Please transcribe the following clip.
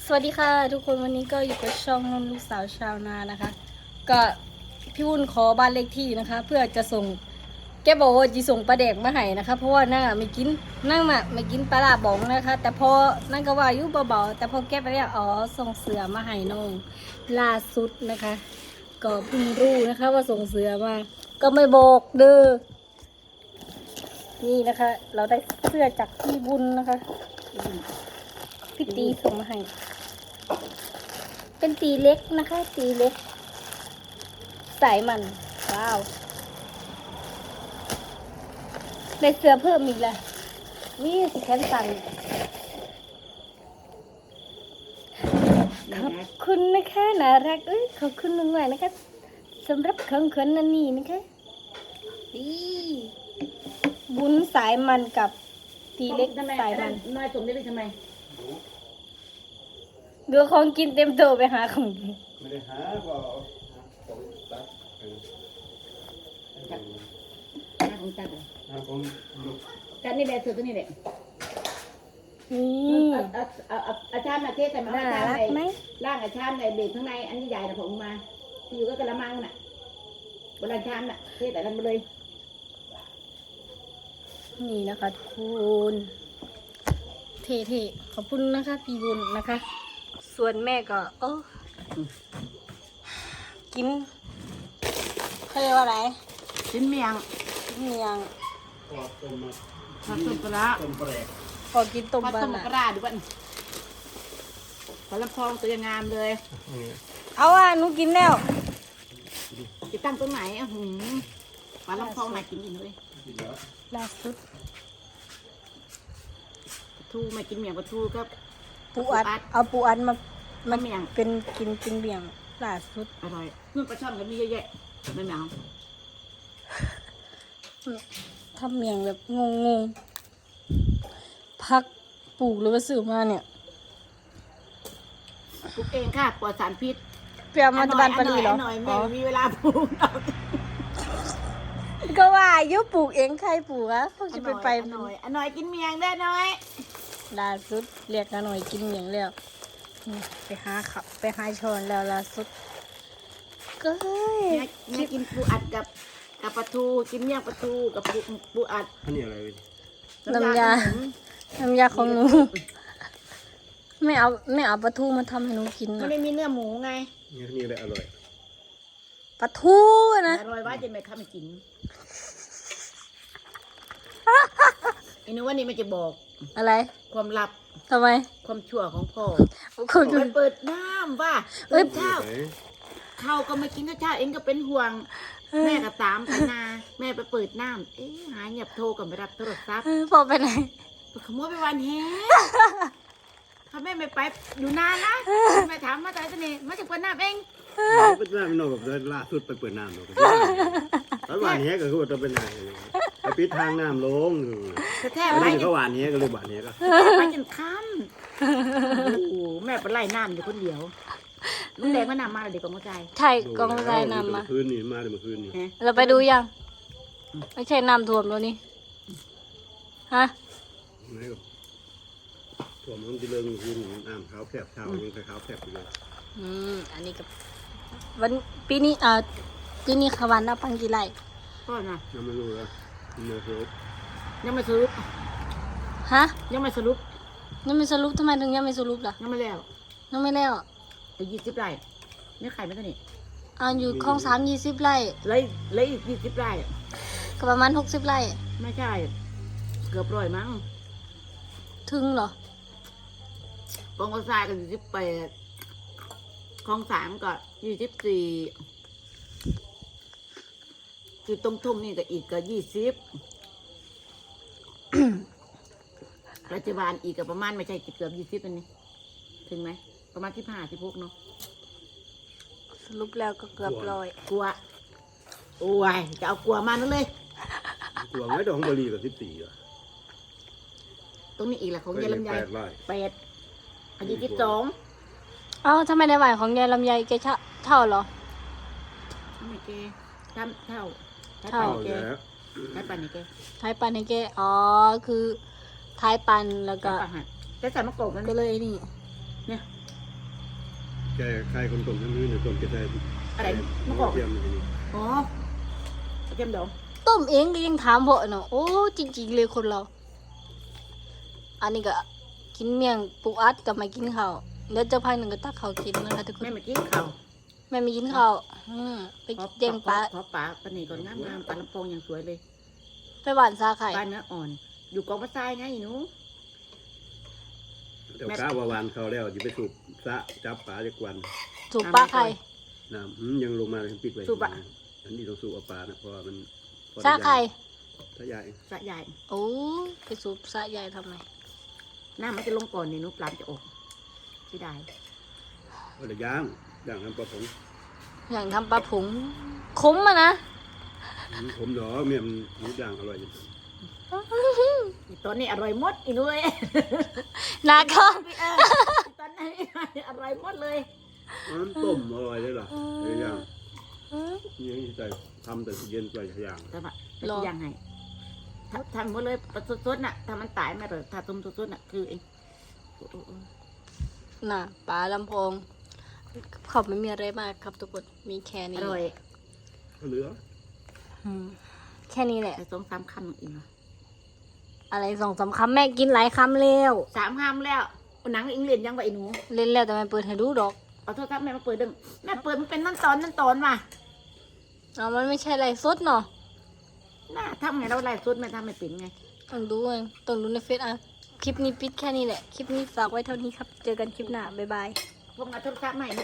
สวัสดีค่ะทุกคนวันนี้ก็อยู่กับช่องลูกสาวชาวนานะคะก็พี่วุ้นขอบ้านเลขที่นะคะ เพื่อจะส่งแกบอกว่าจะส่งปลาแดกมาให้นะคะเพราะว่านั่งไม่กินนั่งไม่กินปลาลาบองนะคะ แต่พอนั่งก็ว่าอยู่เบาๆแต่พอแกไปแล้วส่งเสือมาให้น้องล่าสุดนะคะ ก็เพิ่งรู้นะคะว่าส่งเสือมาก็ไม่บอกเด้อนี่นะคะ เราได้เสื้อจากพี่บุญนะคะพี่ตีส่งมาให้เป็นตีเล็กนะคะตีเล็กสายมันว้าวได้เสื้อเพิ่มอีกแล้วนี่สิแขนสั่นขอบคุณนะคะน่ารักขอบคุณมากๆนะคะสำหรับของขวัญนันนี่นะคะบุญสายมันกับตีเล็กสายมันน้อยสมได้ไปทำไมเดือของกินเต็มโตไปหาของกินไม่ได้หาก็ของตัดหน้าของจัดเลยของจัดนี่แหละเสือตัวนี้แหละนี่อาจารย์มาเทศแต่มาน่าอาจารย์รักไหมร่างอาจารย์ในเบรกข้างในอันนี้ใหญ่นะผมมาที่อยู่ก็กระมังน่ะบนอาจารย์น่ะเทศแต่นั้นมาเลยนี่นะคะทุกคนเท่ๆขอบคุณนะคะพี่บุญนะคะ ส่วนแม่ก็กินเขาเรียกว่าอะไรชิ้นเมียงเมียงก็ต้มมาผัดต้มปลาต้มแปลกพอกินต้มผัดบ้าต้นมอ่ะปลาดูบ้านขอลำพองตัวยังงามเลยเอาหนูกินแล้วจะตั้งตรงไหนขอลำพองไหนกินอีกเลยล่าสุดทูไม่กินเมียงปลาทูก็ปูอัดเอาปูอัดมาเมียงเป็นกินเป็นเบี่ยงล่าสุดอร่อยเพื่อนปลาช่อนก็มีเยอะแยะไม่เหมียวทำเมียงแบบงงพักปลูกหรือว่าซื้อมาเนี่ยปลูกเองค่ะปลอดสารพิษเปรียวมาจากบ้านปารีเหรอหน่อยไม่มีเวลาปลูกก็ว่าอายุปลูกเองใครปลูกอะพวกจะไปหน่อยกินเมียงได้น้อยล่าสุดเรียกกันหน่อยกินเมียงแล้วนี่ไปหาขับไปหาช้อนแล้วล่าสุดก็เฮ้ยเนี่ยกินปูอัดกับปลาทูกินเมี่ยงปลาทูกับปูอัดอันนี้อะไรเว้ยน้ำยาของหนูไม่เอาปลาทูมาทำให้หนูกินไม่นะได้มีเนื้อหมูไงนี่อะไรอร่อยปลาทูนะอร่อยว่าจะไม่ข้าไม่กินไอ้นึกว่านี่มันจะบอกอะไรความลับทำไมความชั่วของพ่อคนไปเปิดน้ำว่าตื่นเช้าข้าวก็ไม่กินก็เช้าเองก็เป็นห่วง แม่ก็ตามไปนาแม่ไปเปิดน้ำหายเงียบโทรกับไม่รับโทรศัพท์พอไปไหนขโมยไปวันแฮถ้าแม่ไม่ไปอยู่นานนะแม่ถามมาแต่จะนี่มาจากเปิดน้ำเองเป็นน้ำนอกกับล่าสุดไปเปิดน้ำเนาะแล้วหวานเนี้ยก็คือว่าจะเป็นอะไรไปปิดทางน้ำลงแท้แล้วไปนี่เขาหวานเนี้ยก็เลยหวานเนี้ยก็ไปจนค่ำโอ้โหแม่ไปไล่น้ำอยู่คนเดียวลุงแดงก็นำมาเลยเด็กกองใจใช่กองทรายนำมาคืนนี้มาเลยเมื่อคืนนี้เราไปดูยัง ไม่ใช่น้ำท่วมแล้วนี่ฮะไม่ก็ถั่วมันจะเลิงคืนน้ำขาวแคบเช้ายังขาวแคบอยู่เลยอันนี้กับวันปีนี้ปีนี้ขวันนับปังกี่ไร่ก็นะยังไม่รู้เลยเนื้อเคิร์ฟยังไม่สรุปฮะยังไม่สรุปยังไม่สรุปทำไมถึงยังไม่สรุปล่ะยังไม่แล้วยังไม่แล้วแต่20 ไร่ไม่ขายไม่เท่านี้อยู่คลอง3 20 ไร่เลยอีก20 ไร่ก็ประมาณ60 ไร่ไม่ใช่เกือบร้อยมั้งถึงเหรอกองกระซายก็28คลอง3ก็24คือตรงทุ่งนี่ก็อีกก็20 ปัจจุบันอีกก็ประมาณไม่ใช่เกือบ20อันนี้ถึงไหมประมาณ15-16เนาะสรุปแล้วก็เกือบร้อยกลัวโอ้ยจะเอากลัวมานั่นเลยถั่วไม้ดองบรีกับ14อ่ะตรงนี้อีกแหละของยายลำไย 8 ไร่ 8อายุ12 เอ้าทำไมในหวายของยายลำไยแกเท่าเหรอไม่แกทำเท่าเท่าเอาแล้วใช้ปันนี่แกท้ายปันให้แกคือท้ายปันแล้วก็ใช้ปันหัดแต่ใส่มะกอกนั่นก็เลยนี่เนี่ยแกใครคนต้มทั้งนี้เนี่ยต้มจะได้อะไรมะกอกเทียมนี่อ๋อเต็มดองต้มเองก็ยังถามเพาะเนาะโอ้จริงๆเลยคนเรา อันนี้ก็กินเมี่ยงปูอัดกับไม่กินข้าวแล้วเจ้าพักหนึ่งก็ตักข้าวกินนะคะทุกคนแม่มากินข้าวแม่ไม่กินข้าวไปเจียงปลาขอปลาปลาหนีก่อนงามๆปลาลำโพงอย่างสวยเลยไปหวานซาไข่ปลาเนื้ออ่อน อยู่กองปลาทรายไงหนูเดี๋ยวก้าววานเขาแล้วจะไปสูบสะจับปลาจากวันสูบปลาไข่น้ำยังลงมาเลยปิดไว้อันนี้ต้องสูบเอาปลานะเพราะว่ามันซาไข่ถ้าใหญ่สะใหญ่โอ้ไปสูบซาใหญ่ทำไมน้ำมันจะลงก่อนนี่หนูปลาจะออกที่ได้ก็เลยย่างน้ำปลาผงอย่างทำปลาผงขมอะนะผมหนอเมียมนย่างอร่อยตอนนี้อร่อยหมดอีนุ้ยนาก็ตอนนี้อร่อยหมดเลยมันต้มอร่อยเลยเหรอเลยย่างนี่ใจทำแต่เย็นไปย่างแต่ว่ายังไงทำหมดเลยปลาสดๆน่ะถ้ามันตายไม่เลยถ้าต้มสดๆน่ะคือเองน่ะปลาลำโพงเขาไม่มีอะไรมากครับทุกคนมีแค่อนี้ร่อยเหลืออืมแค่นี้แหละแต่2-3 คำอีกเนาะอะไร2-3 คำแม่กินหลายคำแล้ว 3 คำแล้วหนังอิงเลียนยังไงหนูเล่นแล้วแต่ไม่เปิดให้ดูดอกเอาโทรศัพท์แม่มาเปิดดึงแม่เปิดมันเป็นนั่นตอนว่ะเอามันไม่ใช่อะไรสดเนาะน่าทำไงเราไล่สดแม่ทำไม่เป็นไงต้องดูเองต้องดูในเฟซอ่ะคลิปนี้ปิดแค่นี้แหละคลิปนี้ฝากไว้เท่านี้ครับเจอกันคลิปหน้าบ๊ายบายพวกเอาโทรศัพท์ใหม่